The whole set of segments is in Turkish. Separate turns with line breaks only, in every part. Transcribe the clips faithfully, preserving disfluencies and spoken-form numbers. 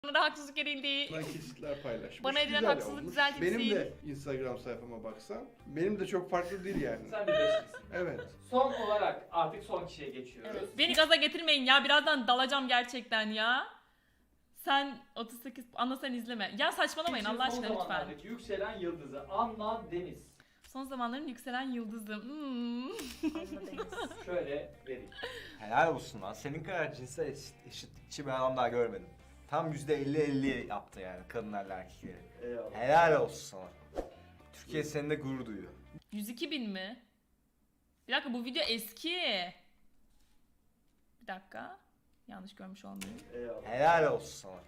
Bana haksızlık edildi.
Bana kesitler paylaşmış.
Bana edilen
Güzel
haksızlık
olmuş.
düzeltilsin.
Benim de Instagram sayfama baksan, benim de çok farklı değil yani.
Sen bir beşliksin.
Evet.
Son olarak artık son kişiye geçiyoruz.
Evet. Beni gaza getirmeyin ya. Birazdan dalacağım gerçekten ya. Sen otuz sekiz anla sen izleme. Ya saçmalamayın
İçin
Allah aşkına
son
lütfen.
zamanlardaki yükselen yıldızı Anna Deniz.
Son zamanların yükselen yıldızım. Hmm.
Şöyle vereyim.
Helal olsun lan. Senin kadar cinsel eşit, eşitlikçi bir adam daha görmedim. Tam yüzde elli elli yaptı yani kadınlarla erkekleri.
Eyvallah.
Helal olsun sana. Türkiye seninle gurur duyuyor.
yüz iki bin mi? Bir dakika bu video eski. Bir dakika. Yanlış görmüş olmayayım.
Eyvallah.
Helal olsun sana.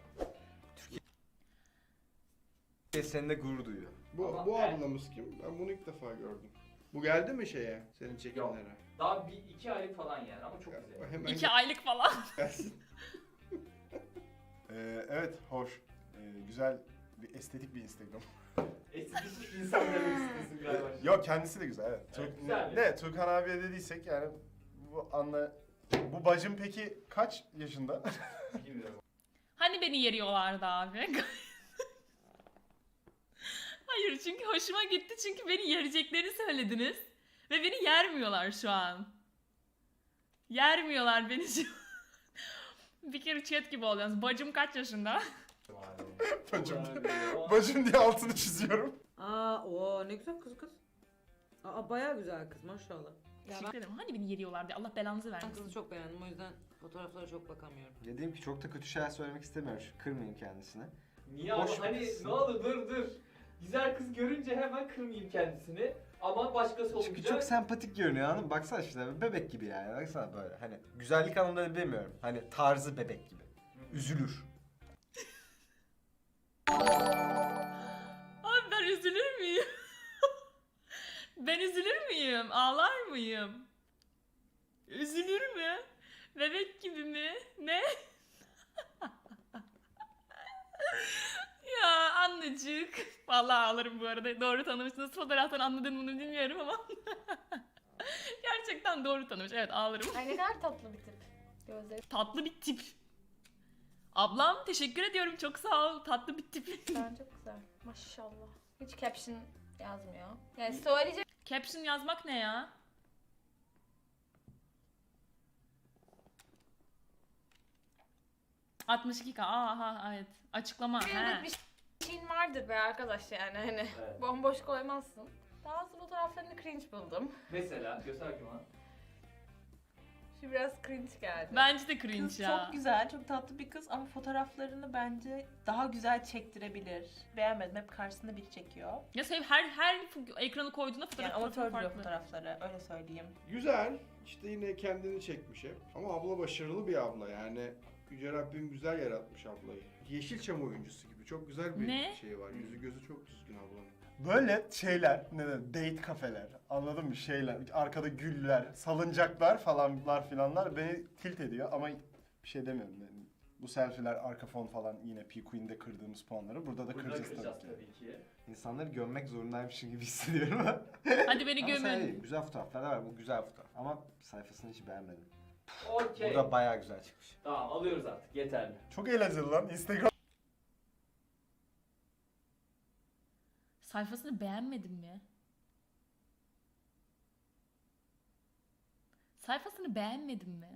Türkiye seninle gurur duyuyor.
Bu,
Ama
bu
ben-
ablamız kim? Ben bunu ilk defa gördüm. Bu geldi mi şeye? Senin çekimlere?
Daha bir iki aylık falan yani ama çok
Ya,
güzel.
Hemen
İki aylık falan.
gelsin.
Ee, evet, hoş. Ee, güzel, bir estetik bir Instagram.
Estetik insan demek istiyorsun galiba.
Yok, kendisi de güzel, evet.
Evet,
Türk,
güzel.
ne, Turkan abiye dediysek yani bu anla... Bu bacım peki kaç yaşında?
Bilmiyorum.
Hani beni yeriyorlardı abi? Hayır çünkü hoşuma gitti çünkü beni yereceklerini söylediniz. Ve beni yermiyorlar şu an. Yermiyorlar beni şu an. Bir kere chat gibi oluyorsunuz. Bacım kaç yaşında?
Bacım.
Yani,
Bacım diye altını çiziyorum.
Aa, o ne güzel kız kız. Aa, bayağı güzel kız maşallah. Ya
Teşekkür ederim. Hani beni yeriyorlar diye. Allah belanızı
ben
vermesin.
kızı çok beğendim o yüzden fotoğraflara çok bakamıyorum.
Dediğim ki çok da kötü şeyler söylemek istemiyorum. Şu kırmayayım kendisine.
Niye
Boş
ama hani
versin.
ne olur dur dur. Güzel kız görünce hemen kırmayayım kendisini. Ama başkası olunca...
Çünkü çok sempatik görünüyor anladın mı? Baksana işte bebek gibi yani. Baksana böyle. Hani güzellik anlamında bilmiyorum. Hani tarzı bebek gibi. Üzülür.
Abi ben üzülür müyüm? Ben üzülür müyüm? Ağlar mıyım? Üzülür mü? Bebek gibi mi? Ne? Ya annecik. Vallahi ağlarım bu arada. Doğru tanımışsınız. Fotoğraftan anladın bunu bilmiyorum ama. Gerçekten doğru tanımış. Evet ağlarım.
Ay ne kadar tatlı bir tip. Gözleri
Tatlı bir tip. Ablam teşekkür ediyorum. Çok sağ ol. Tatlı bir tip.
falan çok güzel. Maşallah. Hiç caption yazmıyor. Yani söyleyecek
Caption yazmak ne ya? altmış iki K. Aha evet. Açıklama.
bir
He.
bir şeyin vardır be arkadaş yani hani.
Evet.
Bomboş koymazsın. Bazı fotoğraflarını cringe buldum.
Mesela göster bakayım bana.
Şu biraz cringe geldi.
Bence de cringe
Kız
ya.
çok güzel, çok tatlı bir kız ama fotoğraflarını bence daha güzel çektirebilir. Beğenmedim, hep karşısında biri çekiyor.
Ya sev her her ekranı koyduğunda fotoğraf
Yani amatör duruyor
farklı.
fotoğrafları, öyle söyleyeyim.
Güzel. İşte yine kendini çekmiş hep. Ama abla başarılı bir abla yani. Yüce Rabbim güzel yaratmış ablayı. Yeşilçam oyuncusu gibi. Çok güzel bir
Ne?
şey var. Yüzü gözü çok düzgün ablanın.
Böyle şeyler, ne de date kafeler, anladın mı? Şeyler, arkada güller, salıncaklar falanlar filanlar beni tilt ediyor ama bir şey demiyorum. Yani bu selfie'ler, arka fon falan yine P Queen'de kırdığımız puanları burada da
Burada
şey
kıracağız
kıracağız
tabii ki.
tabii ki.
İnsanları gömmek zorundaymışım gibi hissediyorum.
Hadi beni
Ama sen
gömün.
değil, güzel fotoğraflar da var. Bu güzel fotoğraf. Ama sayfasını hiç beğenmedim.
Okey.
Burada bayağı güzel çıkmış.
Tamam alıyoruz artık yeterli.
Çok eğlenceli lan. Instagram
Sayfasını beğenmedin mi? Sayfasını beğenmedin mi?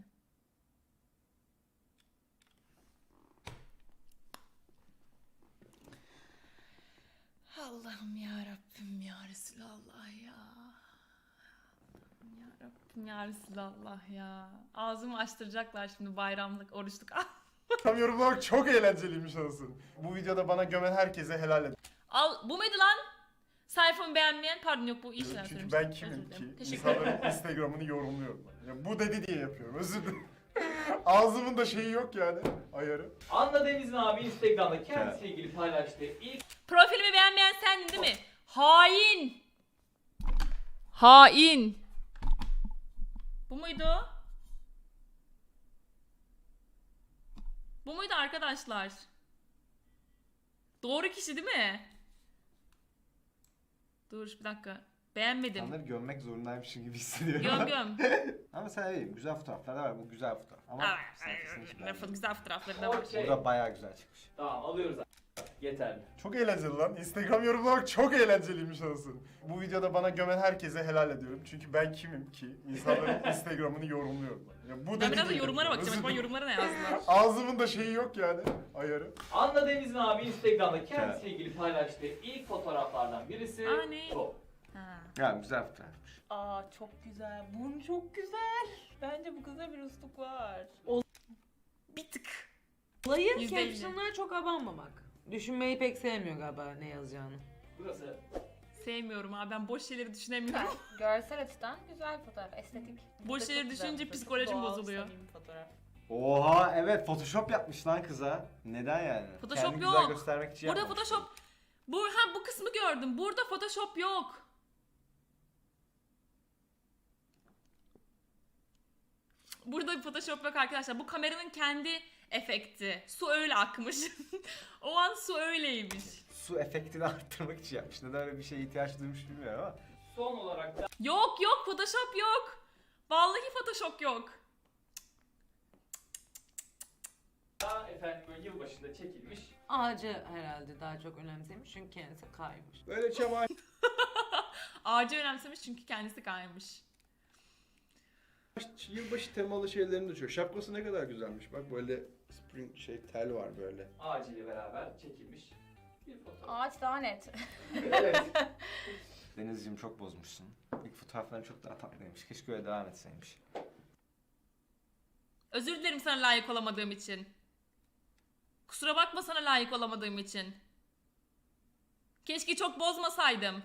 Allah'ım ya Rabbim ya Resulallah ya. Allah'ım ya Rabbim ya Resulallah ya. Ağzımı açtıracaklar şimdi bayramlık, oruçluk.
yorumlamak çok eğlenceliymiş anasını. Bu videoda bana gömen herkese helal et.
Al bu muydu lan? Sayfamı beğenmeyen pardon yok bu işler
Çünkü ben kimim ki? İnsanların Instagram'ını yorumluyorum. Ya bu dedi diye yapıyorum. Özür dilerim. Ağzımın da şeyi yok yani. Ayarı.
Anna Deniz'in abi Instagram'da kendisiyle ilgili paylaştığı ilk
Profilimi beğenmeyen sendin değil mi? Hain. Hain. Bu muydu? Bu muydu arkadaşlar? Doğru kişi değil mi? Dur bir dakika. Beğenmedim.
İnsanları gömmek zorundaymışım gibi hissediyorum.
Göm göm.
Ama sen iyiyim. Güzel fotoğraflar da var. Bu güzel fotoğraf. Ama
Aa,
sayfasını hiç
ne
beğenmedim.
güzel fotoğrafları da var.
Okey.
Bu da bayağı güzel çıkmış.
Tamam alıyoruz abi. Yeterli.
Çok eğlenceli lan. Instagram yorumlamak çok eğlenceliymiş anasını. Bu videoda bana gömen herkese helal ediyorum. Çünkü ben kimim ki? İnsanların Instagram'ını yorumluyorum. Ya bu
Ben
da
biraz da
değil.
yorumlara bakacağım.
Özür
Acaba
dilerim.
yorumlara ne yazdılar?
Ağzımın da şeyi yok yani. Ayarı.
Anla Deniz'in abi Instagram'da kendisiyle ilgili paylaştığı ilk fotoğraflardan birisi
Aa, ne?
bu.
Ha.
Yani güzel fotoğrafmış.
Aa çok güzel. Burnu çok güzel. Bence bu kızda bir üslup var.
Bir tık.
Olayı
Yüzde elli.
caption'lara çok abanmamak. Düşünmeyi pek sevmiyor galiba ne yazacağını.
Burası.
Sevmiyorum abi, ben boş şeyleri düşünemiyorum.
Görsel açıdan güzel fotoğraf, estetik.
Boş
Çok
şeyleri
güzel
düşününce
fotoğraf.
psikolojim
Doğal,
bozuluyor.
samimi fotoğraf.
Oha evet Photoshop yapmış lan kıza. Neden yani?
Photoshop
Kendini
yok.
güzel göstermek için
Burada
yapmamış.
Photoshop... Bu, ha, bu kısmı gördüm. Burada Photoshop yok. Burada bir Photoshop yok arkadaşlar. Bu kameranın kendi efekti. Su öyle akmış. O an su öyleymiş.
Su efektini arttırmak için yapmış. Neden öyle bir şeye ihtiyaç duymuş bilmiyorum ama.
Son olarak da
Yok yok, Photoshop yok. Vallahi Photoshop yok.
efendim böyle yılbaşında çekilmiş.
Ağacı herhalde daha çok önemsemiş çünkü kendisi kaymış.
Böyle çamaşır
Ağacı önemsemiş çünkü kendisi kaymış.
yılbaşı temalı şeylerini de çok. Şapkası ne kadar güzelmiş. Bak böyle spring şey tel var böyle.
Ağacıyla beraber çekilmiş bir fotoğraf.
Ağaç daha net.
Evet.
Denizciğim çok bozmuşsun. İlk fotoğrafların çok daha tatlıymış. Keşke öyle devam etseymiş.
Özür dilerim sana layık olamadığım için. Kusura bakma sana layık olamadığım için. Keşke çok bozmasaydım.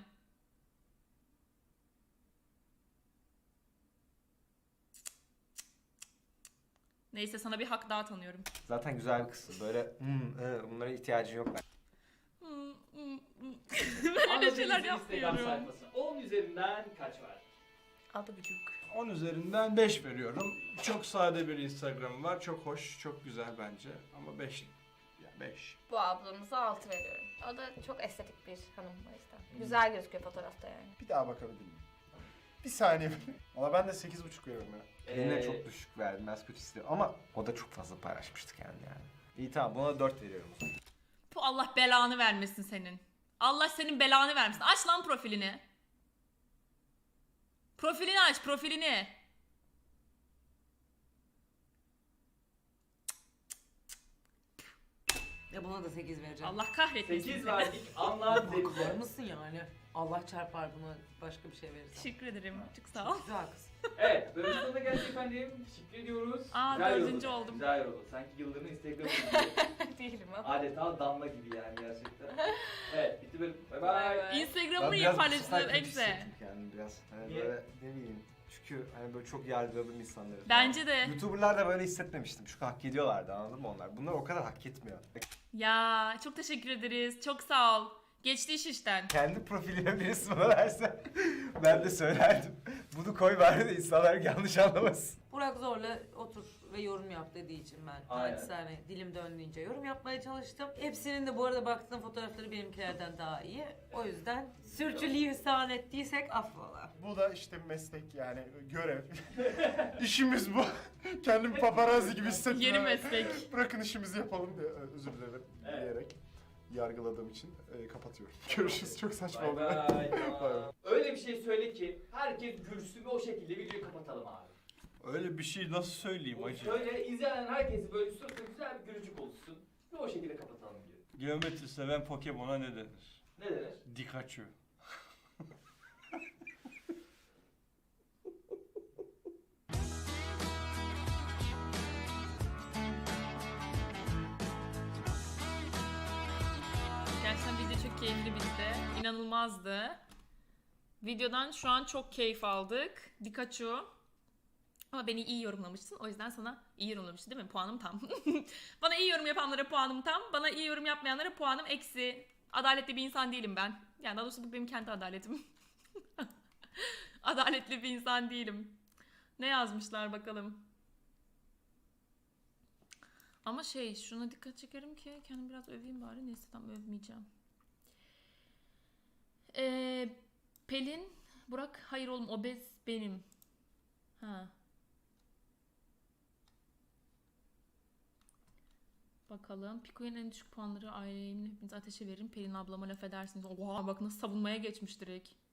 Neyse, sana bir hak daha tanıyorum.
Zaten güzel bir kızsın. Böyle hmm, e, bunlara ihtiyacın yok.
Hmm, hmm, hmm. Ben
Anla
öyle şeyler
Deniz'in Instagram
yapmıyorum.
sayfası. on üzerinden kaç var?
Altı buçuk.
on üzerinden beş veriyorum. Çok sade bir Instagram var. Çok hoş, çok güzel bence. Ama beş. Ya beş.
Bu ablamıza altı veriyorum. O da çok estetik bir hanım o yüzden. Güzel gözüküyor fotoğrafta yani.
Bir daha bakabilir miyim? Bir saniye. Valla ben de sekiz buçuk veriyorum ya.
Eline
Ee,
çok düşük verdim. Ben kötü istiyorum. Ama o da çok fazla paylaşmıştı kendini yani. İyi tamam buna dört veriyorum o zaman.
Bu Allah belanı vermesin senin. Allah senin belanı vermesin. Aç lan profilini. Profilini aç, profilini.
Ya buna da sekiz vereceğim.
Allah kahretmesin
sekiz
seni.
verdik. Anla
Bakar
Deniz'e.
mısın yani? Allah çarpar buna başka bir şey verirsen.
Teşekkür ederim. Çok sağ ol.
Güzel kız.
Evet, bölümün sonuna geldik efendim. Teşekkür ediyoruz.
Aa,
Güzel
dördüncü
yoruldu.
oldum.
Güzel yoruldu. Sanki yıldırımın Instagram'ı gibi.
Değilim ama.
Adeta damla gibi yani gerçekten. Evet, bitti bölüm. Bay
Bay
bay.
bay.
Instagram'ı iyi
biraz bu
paylaşılır
sefer kötü
Exe.
hissettim kendimi biraz. Hani
Niye?
böyle ne bileyim. Çünkü hani böyle çok yargıladım insanları. falan.
Bence de.
YouTuber'lar da böyle hissetmemiştim. Çünkü hak ediyorlardı anladın mı onlar? Bunlar o kadar hak etmiyor.
Ya çok teşekkür ederiz. Çok sağ ol. Geçti iş işten.
Kendi profiline birisi bana verse ben de söylerdim. Bunu koy bari de insanlar yanlış anlamasın.
Burak zorla otur ve yorum yap dediği için ben
Aynen.
naçizane dilim döndüğünce yorum yapmaya çalıştım. Hepsinin de bu arada baktığım fotoğrafları benimkilerden daha iyi. O yüzden sürçülisan ettiysek affola.
Bu da işte meslek yani görev. İşimiz bu. Kendimi paparazzi gibi hissettim.
Yeni
ama
meslek.
Bırakın işimizi yapalım diye özür dilerim
Evet.
diyerek yargıladığım için e, kapatıyorum. Görüşürüz. Çok saçma
Bay
oldu.
bay.
Bay bay.
Öyle bir şey söyle ki herkes gülsün ve o şekilde videoyu kapatalım abi.
Öyle bir şey nasıl söyleyeyim acı?
Söyle, izleyen herkesi böyle suratına güzel bir gülücük olsun ve o şekilde kapatalım videoyu.
Geometri seven Pokemon'a ne denir?
Ne denir?
Dikachu.
Gerçekten video çok keyifli bitti. İnanılmazdı. Videodan şu an çok keyif aldık. Dikachu. Ama beni iyi yorumlamışsın. O yüzden sana iyi yorumlamışsın değil mi? Puanım tam. Bana iyi yorum yapanlara puanım tam. Bana iyi yorum yapmayanlara puanım eksi. Adaletli bir insan değilim ben. Yani daha doğrusu bu benim kendi adaletim. Adaletli bir insan değilim. Ne yazmışlar bakalım. Ama şey, şuna dikkat çekerim ki kendimi biraz öveyim bari. Neyse, tam övmeyeceğim. Ee, Pelin Burak hayır oğlum obez benim. Ha. Bakalım. Piko'nun en düşük puanları ailemin hepinizi ateşe veririm. Pelin ablama laf edersiniz. Oha bak nasıl savunmaya geçmiş direkt.